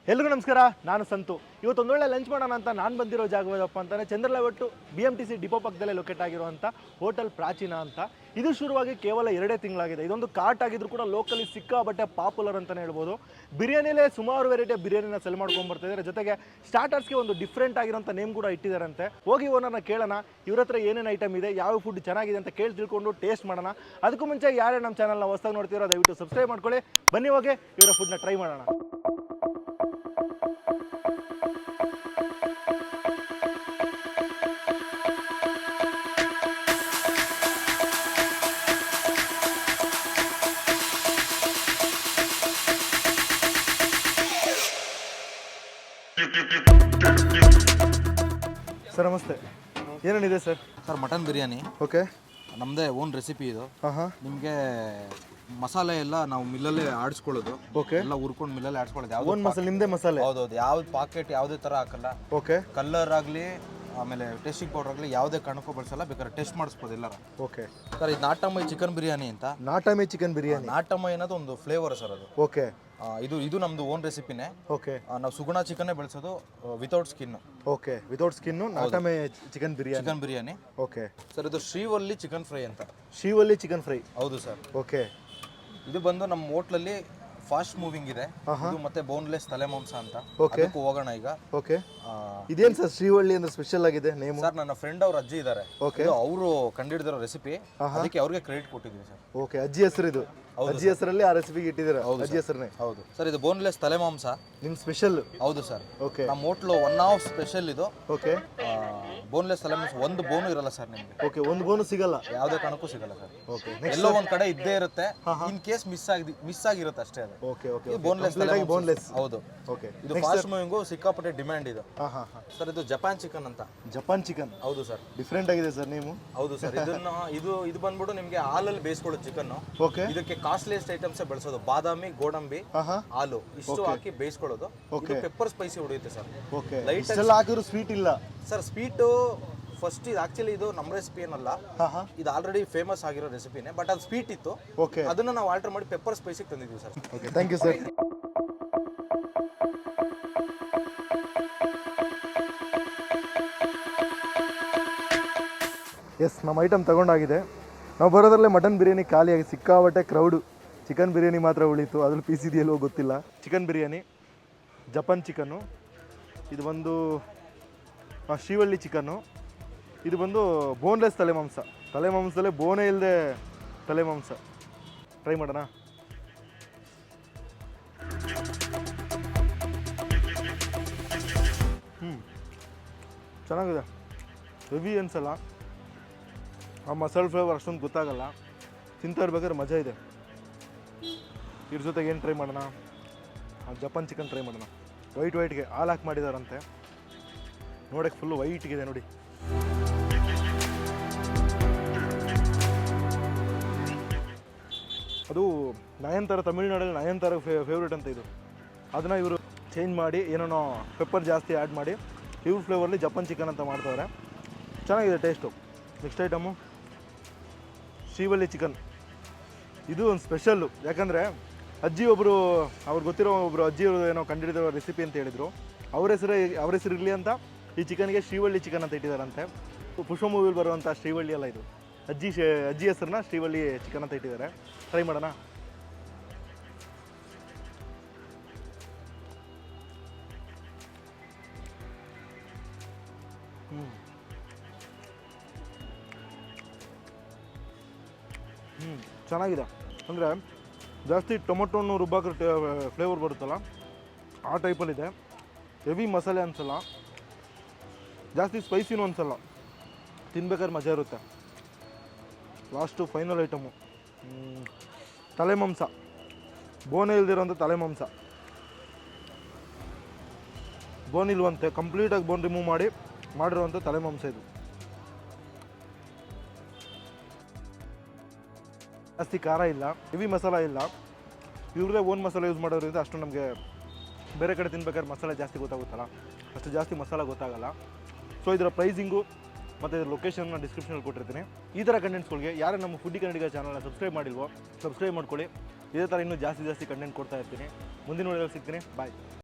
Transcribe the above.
ಎಲ್ರಿಗೂ ನಮಸ್ಕಾರ, ನಾನು ಸಂತು. ಇವತ್ತೊಂದೊಳ್ಳೆ ಲಂಚ್ ಮಾಡೋಣ ಅಂತ ನಾನು ಬಂದಿರೋ ಜಾಗವಪ್ಪ ಅಂತಾನೆ ಚಂದ್ರಲವಟ್ಟು BMTC ಡಿಪೋ ಪಕ್ಕದಲ್ಲೇ ಲೊಕೇಟ್ ಆಗಿರುವಂಥ ಹೋಟೆಲ್ ಪ್ರಾಚೀನ ಅಂತ. ಇದು ಶುರುವಾಗಿ ಕೇವಲ 2 ತಿಂಗಳಾಗಿದೆ. ಇದೊಂದು ಕಾರ್ಟ್ ಆಗಿದ್ರು ಕೂಡ ಲೋಕಲಿ ಸಿಕ್ಕಾಬಟ್ಟೆ ಪಾಪ್ಯುಲರ್ ಅಂತಲೇ ಹೇಳ್ಬೋದು. ಬಿರಿಯಾನಿಲೇ ಸುಮಾರು ವೆರೈಟಿ ಬಿರಿಯಾನಿನ ಸೆಲ್ ಮಾಡ್ಕೊಂಡು ಬರ್ತಿದ್ದಾರೆ. ಜೊತೆಗೆ ಸ್ಟಾರ್ಟರ್ಸ್ಗೆ ಒಂದು ಡಿಫ್ರೆಂಟ್ ಆಗಿರೋಂಥ ನೇಮ್ ಕೂಡ ಇಟ್ಟಿದ್ದಾರಂತೆ. ಹೋಗಿ ಓನರ್ನ ಕೇಳೋಣ, ಇವ್ರ ಹತ್ರ ಏನೇನು ಐಟಮ್ ಇದೆ, ಯಾವ ಫುಡ್ ಚೆನ್ನಾಗಿದೆ ಅಂತ ಕೇಳಿ ತಿಳ್ಕೊಂಡು ಟೇಸ್ಟ್ ಮಾಡೋಣ. ಅದಕ್ಕೂ ಮುಂಚೆ ಯಾರೇ ನಮ್ಮ ಚಾನಲ್ನ ಹೊಸದಾಗಿ ನೋಡ್ತೀರೋ ದಯವಿಟ್ಟು ಸಬ್ಸ್ಕ್ರೈಬ್ ಮಾಡ್ಕೊಳ್ಳಿ. ಬನ್ನಿ ಹೋಗಿ ಇವರ ಫುಡ್ನ ಟ್ರೈ ಮಾಡೋಣ. ಸರ್ ನಮಸ್ತೆ, ಏನೇನಿದೆ sir? Sir mutton biryani. Okay, ನಮ್ಮದೇ ಓನ್ ರೆಸಿಪಿ ಇದು. ಹಾಂ, ನಿಮಗೆ ಮಸಾಲೆ ಎಲ್ಲ ನಾವು ಮಿಲ್ಲಲ್ಲೇ ಆಡಿಸ್ಕೊಳ್ಳೋದು. ಓಕೆ, ಎಲ್ಲ ಹುರ್ಕೊಂಡು ಮಿಲ್ಲಲ್ಲೇ ಆಡಿಸ್ಕೊಳ್ಳೋದು. ಯಾವ್ದು ಓನ್ ಮಸಾಲೆ, ನಿಮ್ಮದೇ ಮಸಾಲೆ? ಹೌದೌದು. ಯಾವ್ದು ಪಾಕೆಟ್ ಯಾವುದೇ ಥರ ಹಾಕಲ್ಲ. ಓಕೆ, ಕಲರ್ ಆಗಲಿ ಆಮೇಲೆ ಟೇಸ್ಟಿಂಗ್ ಪೌಡರ್ ಆಗಲಿ ಯಾವುದೇ ಕಾರಣಕ್ಕೂ ಬಳಸಲ್ಲ. ಬೇಕಾದ್ರೆ ಟೆಸ್ಟ್ ಮಾಡಿಸ್ಬೋದು ಎಲ್ಲರ. ಓಕೆ ಸರ್ ಇದು ನಾಟಮೈ ಚಿಕನ್ ಬಿರಿಯಾನಿ ಅಂತ. ನಾಟಮೈ ಚಿಕನ್ ಬಿರಿಯಾನಿ. ನಾಟಮೈ ಅನ್ನೋದು ಒಂದು ಫ್ಲೇವರ್ ಸರ್ ಅದು. ಓಕೆ, ಇದು ನಮ್ದು ಓನ್ ರೆಸಿಪಿನೇ. ಓಕೆ, ನಾವು ಸುಗುಣ ಚಿಕನ್ನೇ ಬೆಳೆಸೋದು without skin. Okay, without skin ನಾಟಮೈ ಚಿಕನ್ ಬಿರಿಯಾನಿ. ಓಕೆ ಸರ್ ಇದು ಶ್ರೀವಲ್ಲಿ ಚಿಕನ್ ಫ್ರೈ ಅಂತ. Srivalli chicken fry. ಹೌದು ಸರ್. ಓಕೆ, ಇದು ಬಂದು ನಮ್ಮ ಹೋಟ್ಲಲ್ಲಿ ಫಾಸ್ಟ್ ಮೂವಿಂಗ್ ಇದೆ. ಇದು ಮತ್ತೆ ಬೋನ್ಲೆಸ್ ತಲೆ ಮಾಂಸ ಅಂತ. ಓಕೆ, ಅದಕ್ಕೂ ಹೋಗೋಣ ಈಗ. ಓಕೆ, ಇದೇನು ಸರ್ ಶ್ರೀವಳ್ಳಿ ಅಂದ್ರೆ ಸ್ಪೆಷಲ್ ಆಗಿದೆ ನೇಮ್? ಸರ್ ನನ್ನ ಫ್ರೆಂಡ್ ಅವ್ರ ಅಜ್ಜಿ ಇದ್ದಾರೆ. ಓಕೆ, ಅವರು ಕಂಡಿಡಿದಿರೋ ರೆಸಿಪಿ, ಅದಕ್ಕೆ ಅವ್ರಿಗೆ ಕ್ರೆಡಿಟ್ ಕೊಟ್ಟಿದ್ದೀವಿ ಸರ್. ಓಕೆ, ಅಜ್ಜಿ ಹೆಸರು ಇದು? ಅಜ್ಜಿ ಹೆಸರಲ್ಲಿ ಆ ರೆಸಿಪಿಗೆ ಇಟ್ಟಿದ್ದೀರಾ? ಅಜ್ಜಿ ಹೆಸರನ್ನೇ? ಹೌದು ಸರ್. ಇದು ಬೋನ್ಲೆಸ್ ತಲೆ ಮಾಂಸ ನಿಮ್ಮ ಸ್ಪೆಷಲ್? ಹೌದು ಸರ್. ಓಕೆ, ನಮ್ಮ ಹೋಟ್ಲು ಒನ್ ಆಫ್ ಸ್ಪೆಷಲ್ ಇದು. ಓಕೆ, ಬೋನ್ಲೆಸ್ ತಲೆ ಮಾಂಸ ಒಂದು ಬೋನು ಇರಲ್ಲ ಸರ್ ನಿಮಗೆ. ಓಕೆ, ಒಂದು ಬೋನು ಸಿಗಲ್ಲ? ಯಾವುದೇ ಕಾರಣಕ್ಕೂ ಸಿಗಲ್ಲ ಸರ್. ಓಕೆ, ಎಲ್ಲೋ ಒಂದ್ ಕಡೆ ಇದ್ದೇ ಇರುತ್ತೆ. ಇನ್ ಕೇಸ್ ಮಿಸ್ ಆಗಿರುತ್ತೆ ಅಷ್ಟೇ ಅದು. Okay, okay, boneless boneless. ಹೌದು. ಓಕೆ, ಇದು ಫಾಸ್ಟ್ ಮೂವಿಂಗು, ಸಿಕ್ಕಾಪಟ್ಟೆ ಡಿಮ್ಯಾಂಡ್ ಇದು. ಹಾಂ, ಸರ್ ಇದು ಜಪಾನ್ ಚಿಕನ್ ಅಂತ. Japan chicken? ಹೌದು ಸರ್. ಡಿಫ್ರೆಂಟ್ ಆಗಿದೆ ಸರ್ ನೀವು? ಹೌದು ಸರ್. ಇದು ಬಂದ್ಬಿಟ್ಟು ನಿಮಗೆ ಹಾಲಲ್ಲಿ ಬೇಯಿಸ್ಕೊಳ್ಳೋದು ಚಿಕನ್. ಓಕೆ, ಇದಕ್ಕೆ ಕಾಸ್ಟ್ಲಿಯಸ್ಟ್ ಐಟಮ್ಸ್ ಬೆಳೆಸೋದು. ಬಾದಾಮಿ, ಗೋಡಂಬಿ, ಹಾಲು ಇಷ್ಟು ಹಾಕಿ ಬೇಯಿಸ್ಕೊಳ್ಳೋದು. ಇದು ಪೆಪ್ಪರ್ ಸ್ಪೈಸಿ ಹೊಡೆಯುತ್ತೆ ಸರ್. ಓಕೆ, ಲೈಟ್ ಹಾಕಿದ್ರು ಸ್ವೀಟ್ ಇಲ್ಲ ಸರ್. ಸ್ವೀಟು ಫಸ್ಟ್ ಇದು ಆಕ್ಚುಲಿ ಇದು ನಮ್ಮ ರೆಸಿಪಿ ಏನಲ್ಲ. ಇದು ಆಲ್ರೆಡಿ ಫೇಮಸ್ ಆಗಿರೋ ರೆಸಿಪಿನೇ. ಬಟ್ ಅದು ಸ್ವೀಟ್ ಇತ್ತು. ಓಕೆ, ಅದನ್ನ ನಾವು ಆಲ್ಟರ್ ಮಾಡಿ ಪೆಪ್ಪರ್ ಸ್ಪೈಸಿಗೆ ತಂದಿದ್ದೀವಿ sir. Okay, thank you sir. Yes, ನಮ್ಮ ಐಟಮ್ ತಗೊಂಡಾಗಿದೆ. ನಾವು ಬರೋದ್ರಲ್ಲೇ ಮಟನ್ ಬಿರಿಯಾನಿ ಖಾಲಿಯಾಗಿ ಸಿಕ್ಕಾಬಟ್ಟೆ ಕ್ರೌಡು. ಚಿಕನ್ ಬಿರಿಯಾನಿ ಮಾತ್ರ ಉಳಿತು. ಅದ್ರಲ್ಲಿ ಪೀಸ್ ಇದೆಯಲ್ಲೋ ಗೊತ್ತಿಲ್ಲ. ಚಿಕನ್ ಬಿರಿಯಾನಿ, ಜಪಾನ್ ಚಿಕನ್ನು, ಇದು ಬಂದು ಶ್ರೀವಳ್ಳಿ ಚಿಕನ್ನು, ಇದು ಬಂದು ಬೋನ್ಲೆಸ್ ತಲೆ ಮಾಂಸ. ತಲೆ ಮಾಂಸದಲ್ಲೇ ಬೋನೇ ಇಲ್ಲದೆ ತಲೆ ಮಾಂಸ. ಟ್ರೈ ಮಾಡೋಣ. ಚೆನ್ನಾಗಿದೆ. ಹೆವಿ ಅನ್ಸಲ್ಲ. ಆ ಮಸಾಲೆ ಫ್ಲೇವರ್ ಅಷ್ಟೊಂದು ಗೊತ್ತಾಗಲ್ಲ. ತಿಂತಾ ಇರ್ಬೇಕಾದ್ರೆ ಮಜಾ ಇದೆ. ಇದ್ರ ಜೊತೆಗೆ ಏನು ಟ್ರೈ ಮಾಡೋಣ? ಜಪಾನ್ ಚಿಕನ್ ಟ್ರೈ ಮಾಡೋಣ. ವೈಟ್ಗೆ ಹಾಲು ಹಾಕಿ ಮಾಡಿದಾರಂತೆ. ನೋಡೋಕ್ಕೆ ಫುಲ್ಲು ವೈಟ್ಗಿದೆ ನೋಡಿ. ಅದು ನಯನ್ತಾರ, ತಮಿಳ್ನಾಡಲ್ಲಿ ನಯನ್ತಾರ ಫೇವ್ರೇಟ್ ಅಂತ ಇದು. ಅದನ್ನು ಇವರು ಚೇಂಜ್ ಮಾಡಿ ಏನೇನೋ ಪೆಪ್ಪರ್ ಜಾಸ್ತಿ ಆ್ಯಡ್ ಮಾಡಿ ಇವ್ರ ಫ್ಲೇವರ್ಲಿ ಜಪಾನ್ ಚಿಕನ್ ಅಂತ ಮಾಡ್ತಾರೆ. ಚೆನ್ನಾಗಿದೆ taste. Next item Srivalli chicken. ಇದು ಒಂದು ಸ್ಪೆಷಲ್ಲು. ಯಾಕಂದರೆ ಅಜ್ಜಿ ಒಬ್ಬರು, ಅವ್ರಿಗೆ ಗೊತ್ತಿರೋ ಒಬ್ಬರು ಅಜ್ಜಿ ಏನೋ ಕಂಡಿಡಿದಿರೋ ರೆಸಿಪಿ ಅಂತ ಹೇಳಿದರು. ಅವ್ರ ಹೆಸರು ಇರಲಿ ಅಂತ ಈ ಚಿಕನ್ಗೆ ಶ್ರೀವಳ್ಳಿ ಚಿಕನ್ ಅಂತ ಇಟ್ಟಿದ್ದಾರಂತೆ. ಪುಷ್ಪ ಮೂವಿಲಿ ಬರುವಂಥ ಶ್ರೀವಳ್ಳಿ ಅಲ್ಲ ಇದು. ಅಜ್ಜಿ ಹೆಸರನ್ನ ಶ್ರೀವಳ್ಳಿ ಚಿಕನ್ ಅಂತ ಇಟ್ಟಿದ್ದಾರೆ. ಟ್ರೈ ಮಾಡೋಣ. ಚೆನ್ನಾಗಿದೆ. ಅಂದರೆ ಜಾಸ್ತಿ ಟೊಮೊಟೊನ್ನು ರುಬ್ಬಾಕ್ರೆ ಫ್ಲೇವರ್ ಬರುತ್ತಲ್ಲ, ಆ ಟೈಪಲ್ಲಿದೆ. ಹೆವಿ ಮಸಾಲೆ ಅನಿಸಲ್ಲ, ಜಾಸ್ತಿ ಸ್ಪೈಸಿನೂ ಅನಿಸಲ್ಲ. ತಿನ್ಬೇಕಾದ್ರೆ ಮಜಾ ಇರುತ್ತೆ. ಲಾಸ್ಟು ಫೈನಲ್ ಐಟಮು ತಲೆ ಮಾಂಸ. ಬೋನೇ ಇಲ್ದಿರೋಂಥ ತಲೆ ಮಾಂಸ. ಬೋನ್ ಇಲ್ವಂತೆ, ಕಂಪ್ಲೀಟಾಗಿ ಬೋನ್ ರಿಮೂವ್ ಮಾಡಿರೋವಂಥ ತಲೆ ಮಾಂಸ ಇದು. ಜಾಸ್ತಿ ಖಾರ ಇಲ್ಲ, ಹೆವಿ ಮಸಾಲ ಇಲ್ಲ. ಇವ್ರದೇ ಓನ್ ಮಸಾಲೆ ಯೂಸ್ ಮಾಡೋದ್ರಿಂದ ಅಷ್ಟು ನಮಗೆ ಬೇರೆ ಕಡೆ ತಿನ್ಬೇಕಾದ್ರೆ ಮಸಾಲೆ ಜಾಸ್ತಿ ಗೊತ್ತಾಗುತ್ತಲ್ಲ, ಅಷ್ಟು ಜಾಸ್ತಿ ಮಸಾಲ ಗೊತ್ತಾಗಲ್ಲ. ಸೊ ಇದರ ಪ್ರೈಸಿಂಗು ಮತ್ತು ಲೊಕೇಶನ್ನ ಡಿಸ್ಕ್ರಿಪ್ಷನಲ್ಲಿ ಕೊಟ್ಟಿರ್ತೀನಿ. ಈ ಥರ ಕಂಟೆಂಟ್ಸ್ಗಳಿಗೆ ಯಾರು ನಮ್ಮ ಫುಡ್ಡಿ ಕನ್ನಡಿಗ ಚಾನಲ್ನ ಸಬ್ಸ್ಕ್ರೈಬ್ ಮಾಡಿಲ್ವೋ ಸಬ್ಸ್ಕ್ರೈಬ್ ಮಾಡ್ಕೊಳ್ಳಿ. ಇದೇ ಥರ ಇನ್ನೂ ಜಾಸ್ತಿ ಕಂಟೆಂಟ್ ಕೊಡ್ತಾ ಇರ್ತೀನಿ. ಮುಂದಿನ ವಿಡಿಯೋದಲ್ಲಿ ಸಿಗ್ತೀನಿ. ಬಾಯ್.